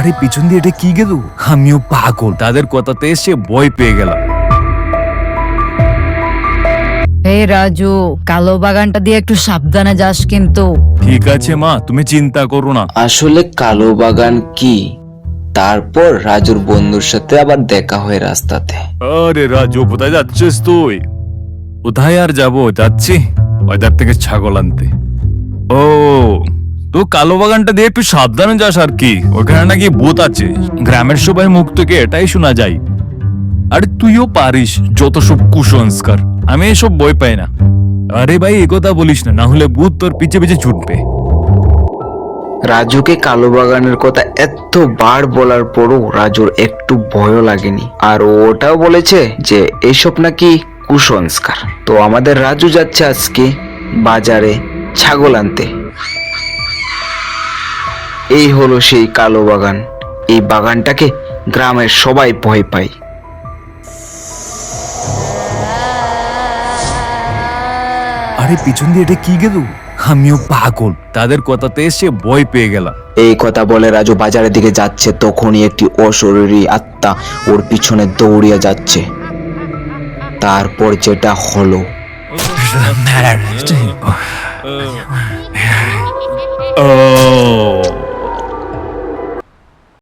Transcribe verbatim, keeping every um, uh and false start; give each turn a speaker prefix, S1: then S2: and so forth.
S1: আরে পিছন দিয়ে এটা কি গেল? আমিও পাগল, তাদের কথাতে এসে ভয় পেয়ে গেলাম।
S2: এই রাজু, কালো বাগানটা দিয়ে একটু সাবধানে যাস কিন্তু।
S1: ঠিক আছে মা, তুমি চিন্তা করো না।
S3: আসলে কালো বাগান কি? তারপর রাজুর বন্ধুর সাথে আবার দেখা হয় রাস্তাতে।
S1: আরে রাজু, কোথায় যাচ্ছিস তুই? কোথায় আর যাবো, যাচ্ছি বাজার থেকে ছাগল আনতে। ও, তো কালো বাগানটা দিয়ে একটু সাবধানে যাস আর কি, ওখানে নাকি ভূত আছে। গ্রামের সবাই মুখ থেকে এটাই শোনা যায়। আরে তুইও পারিস যত সব কুসংস্কার, আমি এসব বই পাই না। আরে ভাই এ কথা বলিস না, না হলে ভূত তোর পিছে পিছে ছুটবে।
S3: রাজুকে কালো বাগানের কথা এতবার বলার পরও রাজুর একটু ভয়ও লাগেনি, আর ও ওটাও বলেছে যে এইসব নাকি কুসংস্কার। তো আমাদের রাজু যাচ্ছে আজকে বাজারে ছাগল আনতে। এই হলো সেই কালো বাগান। এই বাগানটাকে গ্রামের সবাই ভয় পায়।
S1: আরে পিছন দিয়ে এটা কি গেল? আমিও পাগল, তাদের কথাতে এসে ভয় পেয়ে গেলাম।
S3: এই কথা বলে রাজু বাজারের দিকে যাচ্ছে, তখনই একটি অশরীরী আত্মা ওর পিছনে দৌড়িয়ে যাচ্ছে। তারপর যেটা হলো,
S1: ও